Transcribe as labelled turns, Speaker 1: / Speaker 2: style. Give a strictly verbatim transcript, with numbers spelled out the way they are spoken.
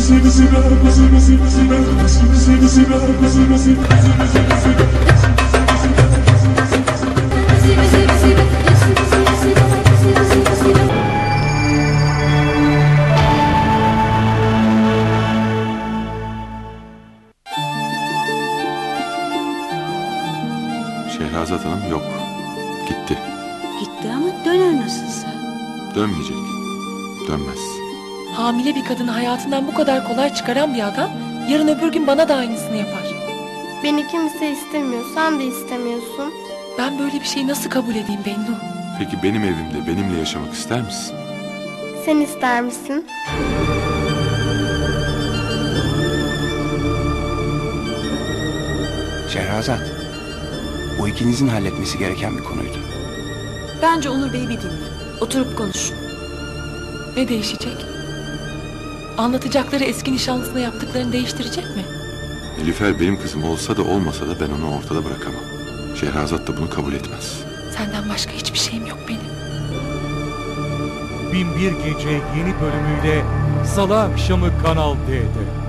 Speaker 1: Şehrazat Hanım yok. Gitti.
Speaker 2: Gitti ama döner nasılsa.
Speaker 1: Dönmeyecek. Dönmez.
Speaker 3: Hamile bir kadını hayatından bu kadar kolay çıkaran bir adam yarın öbür gün bana da aynısını yapar.
Speaker 4: Beni kimse istemiyor, sen de istemiyorsun.
Speaker 3: Ben böyle bir şeyi nasıl kabul edeyim Bennu?
Speaker 1: Peki benim evimde benimle yaşamak ister misin?
Speaker 4: Sen ister misin?
Speaker 5: Şehrazat, bu ikinizin halletmesi gereken bir konuydu.
Speaker 2: Bence Onur Bey'i bir dinle. Oturup konuş.
Speaker 3: Ne değişecek? Anlatacakları eski nişanlısına yaptıklarını değiştirecek mi?
Speaker 1: Nilüfer benim kızım olsa da olmasa da ben onu ortada bırakamam. Şehrazat da bunu kabul etmez.
Speaker 3: Senden başka hiçbir şeyim yok benim.
Speaker 6: Bin bir Gece yeni bölümüyle Salı akşamı Kanal D'de.